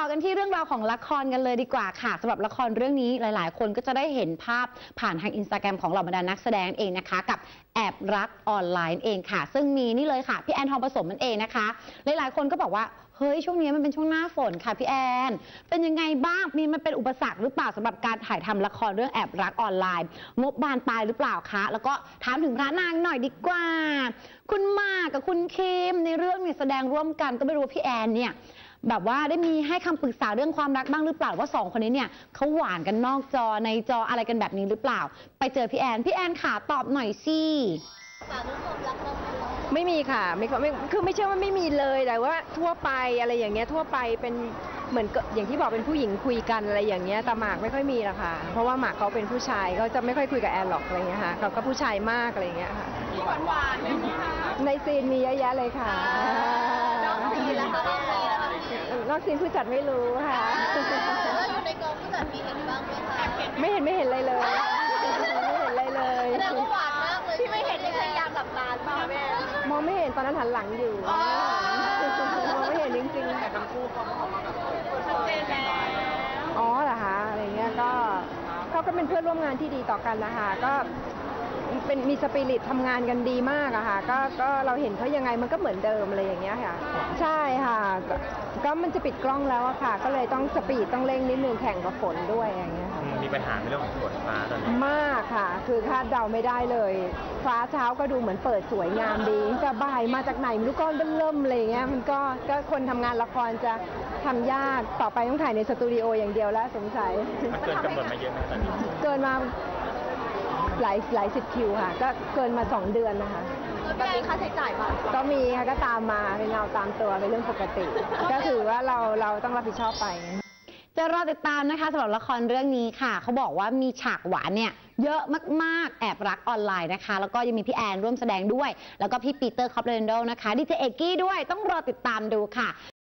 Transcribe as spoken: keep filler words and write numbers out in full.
กันที่เรื่องราวของละครกันเลยดีกว่าค่ะสำหรับละครเรื่องนี้หลายๆคนก็จะได้เห็นภาพผ่านทางอินสตาแกรมของเหล่าบรรดานักแสดงเองนะคะกับแอบรักออนไลน์เองค่ะซึ่งมีนี่เลยค่ะพี่แอนทองผสมมันเองนะคะหลายๆคนก็บอกว่าเฮ้ยช่วงนี้มันเป็นช่วงหน้าฝนค่ะพี่แอนเป็นยังไงบ้างมีมันเป็นอุปสรรคหรือเปล่าสำหรับการถ่ายทำละครเรื่องแอบรักออนไลน์งบบานปลายหรือเปล่าคะแล้วก็ถามถึงพระนางหน่อยดีกว่าคุณหมากกับคุณคิมในเรื่องเนี่ยแสดงร่วมกันก็ไม่รู้ว่าพี่แอนเนี่ยแบบว่าได้มีให้คำปรึกษาเรื่องความรักบ้างหรือเปล่าว่าสองคนนี้เนี่ยเขาหวานกันนอกจอในจออะไรกันแบบนี้หรือเปล่าไปเจอพี่แอนพี่แอนค่ะตอบหน่อยสิไม่มีค่ะไม่ไม่คือไม่ใช่ว่าไม่มีเลยแต่ว่าทั่วไปอะไรอย่างเงี้ยทั่วไปเป็นเหมือนอย่างที่บอกเป็นผู้หญิงคุยกันอะไรอย่างเงี้ยแต่หมากไม่ค่อยมีละค่ะเพราะว่าหมากเขาเป็นผู้ชายเขาจะไม่ค่อยคุยกับแอนหรอกอะไรเงี้ยค่ะเขาก็ผู้ชายมากอะไรเงี้ยค่ะหวานหวานในซีนมีเยอะแยะเลยค่ะนอกซีนแล้วค่ะนอกซีนผู้จัดไม่รู้ค่ะแล้วอยู่ในกองผู้จัดมีเห็นบ้างไหมคะไม่เห็นไม่เห็นอะไรเลยไม่เห็นอะไรเลยแสดงว่าหวานมากเลยที่ไม่เห็นนี่พยายามหลับตาเปล่าแม่มองไม่เห็นตอนนั้นหันหลังอยู่มองไม่เห็นจริงๆแต่ทั้งคู่เขาออกมาแบบชัดเจนแล้วอ๋อเหรอคะอะไรเงี้ยก็เขาก็เป็นเพื่อนร่วมงานที่ดีต่อกันนะคะก็เป็นมีสปิริตทำงานกันดีมากอะค่ะก็ก็เราเห็นเขายังไงมันก็เหมือนเดิมอะไรอย่างเงี้ยค่ะใช่ค่ะก็มันจะปิดกล้องแล้วอะค่ะก็เลยต้องสปีดต้องเร่งนิดนึงแข่งกับฝนด้วยอย่างเงี้ยค่ะมีปัญหาในเรื่องของฝนฟ้าตอนนี้มากค่ะคือคาดเดาไม่ได้เลยฟ้าเช้าก็ดูเหมือนเปิดสวยงามดีแต่บ่ายมาจากไหนไม่รู้ก้อนเริ่มอะไรเงี้ยมันก็ก็คนทำงานละครจะทำยากต่อไปต้องถ่ายในสตูดิโออย่างเดียวแล้วสงสัยมันเกินกำหนดมาเยอะนะตอนนี้เกินมาหลายหลายสิบคิวค่ะก็เกินมาสองเดือนนะคะแบบนี้ค่าใช้จ่ายมาก็มีค่ะก็ตามมาเป็นเราตามตัวเป็นเรื่องปกติก็ถือว่าเราเราต้องรับผิดชอบไปจะรอติดตามนะคะสำหรับละครเรื่องนี้ค่ะเขาบอกว่ามีฉากหวานเนี่ยเยอะมากๆแอบรักออนไลน์นะคะแล้วก็ยังมีพี่แอนร่วมแสดงด้วยแล้วก็พี่ปีเตอร์คอปเลนโดนะคะดีเจเอกกี้ด้วยต้องรอติดตามดูค่ะ